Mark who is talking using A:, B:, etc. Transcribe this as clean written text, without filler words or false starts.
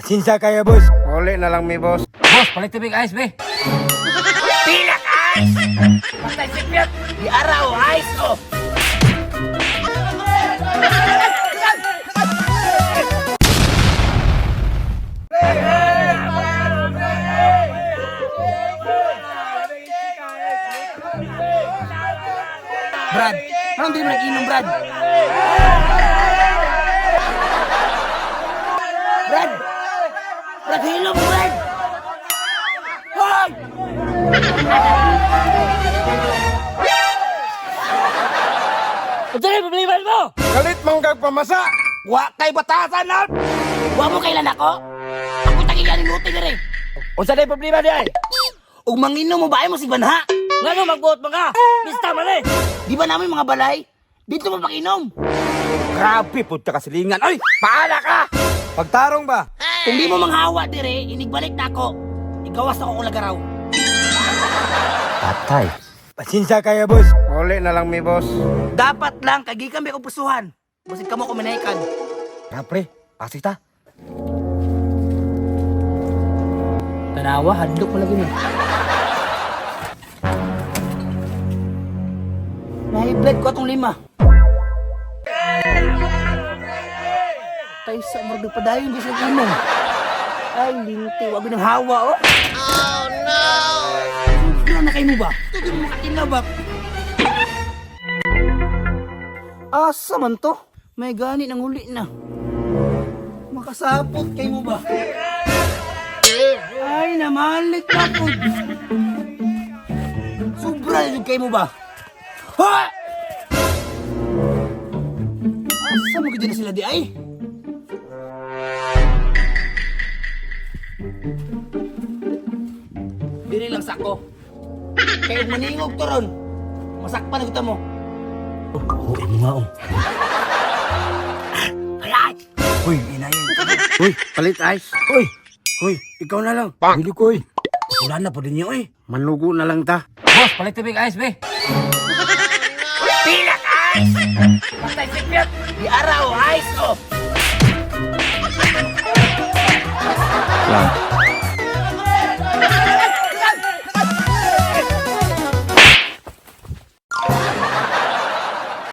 A: Pasensya kaya, boss.
B: Uli na lang mi boss.
C: Boss, palit tubig ice, be.
D: Pilak ice! Patay si Piot! Di araw, ice oh!
C: Brad, parang di mo nag-inom, Brad.
D: Brad! Brad, hello mo, Brad! Hoy! Ito na yung problema mo!
B: Galit manggag pamasa.
D: Wa kay batasan na! Wa mo kailan ako? Ako tagigan ng luti na rin!
C: Unsa na yung problema di ay?
D: Ug manginom mo ba mo si Banha?
C: Nga no, magbuot mga. Pista man eh.
D: Di ba namin mga balay? Dito mo pakinom!
C: Grabe, punta ka silingan. Ay, paala ka!
A: Pagtarong ba?
D: Kung di mo manghawa dire, inigbalik na ako. Igawas ako kung lagaraw.
C: Patay.
A: Pasensya kaya, boss.
B: Uli na lang mi boss.
D: Dapat lang, kagi kami kong pusuhan. Basit ka mo kuminaikan.
C: Nga pre, pasig ta. Tanawa, hadlok mo lagi mo.
D: Nahiblad ko atong 5. Tay sa marag padayon di sa inom. Ay, linti, wag ng hawa oh. Oh no! Ano na kayo mo ba? Ito mo makakinabak. Asa man to? May gani nang uli na. Makasapot kayo mo ba? Ay, namalik na po. Sobra yun kayo mo ba? Ha! Asa mo kita na sila di ay? Dili lang sako. Kayo maningog to ron. Masakpan na kita mo.
C: Oo, mo nga oh.
D: Alay!
C: Uy, inayin.
B: Uy, palit ice.
C: Uy, uy, ikaw na lang.
A: Bili ko, eh.
C: Wala na po din niyo eh.
B: Manugo na lang ta.
C: Boss, palit tubig ice, be.
D: Pilak ice! Patay si Piot! Di araw, ice oh!